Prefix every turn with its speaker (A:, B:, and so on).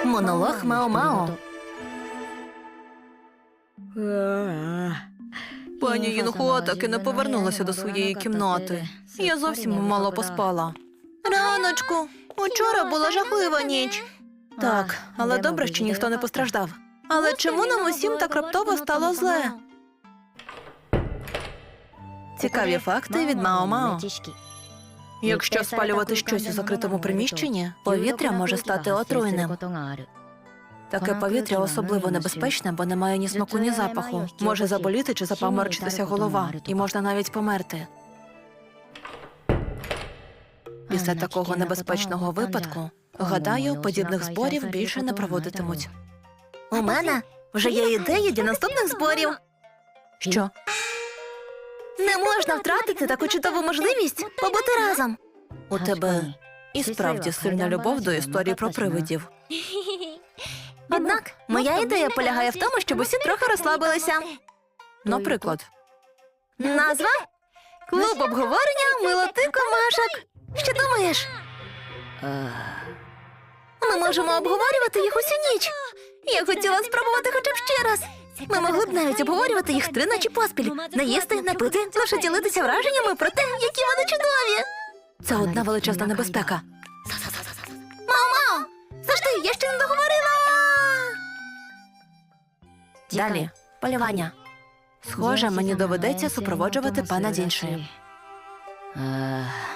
A: Монолог Мао-Мао. Пані Юнхуа так і не повернулася до своєї кімнати. Я зовсім мало поспала. Раночку, учора була жахлива ніч. Так, але добре, що ніхто не постраждав. Але чому нам усім так раптово стало зле? Цікаві факти від Мао-Мао. Якщо спалювати щось у закритому приміщенні, повітря може стати отруйним. Таке повітря особливо небезпечне, бо не має ні смаку, ні запаху. Може заболіти чи запаморочитися голова, і можна навіть померти. Після такого небезпечного випадку, гадаю, подібних зборів більше не проводитимуть. У мене вже є ідеї для наступних зборів. Що? Не можна втратити таку чудову можливість побути разом. У тебе і справді сильна любов до історії про привидів. Однак, моя ідея полягає в тому, щоб усі трохи розслабилися. Наприклад? Назва? Клуб обговорення милоти комашок. Що думаєш? Ми можемо обговорювати їх усю ніч. Я хотіла спробувати хоча б ще раз. Ми могли б навіть обговорювати їх 3 ночі поспіль. Не їсти, не пити, лише ділитися враженнями про те, які вони чудові. Це одна величезна небезпека. Мао-Мао! Завжди, я ще не договорила! Далі. Полювання. Схоже, мені доведеться супроводжувати пана Дзінши.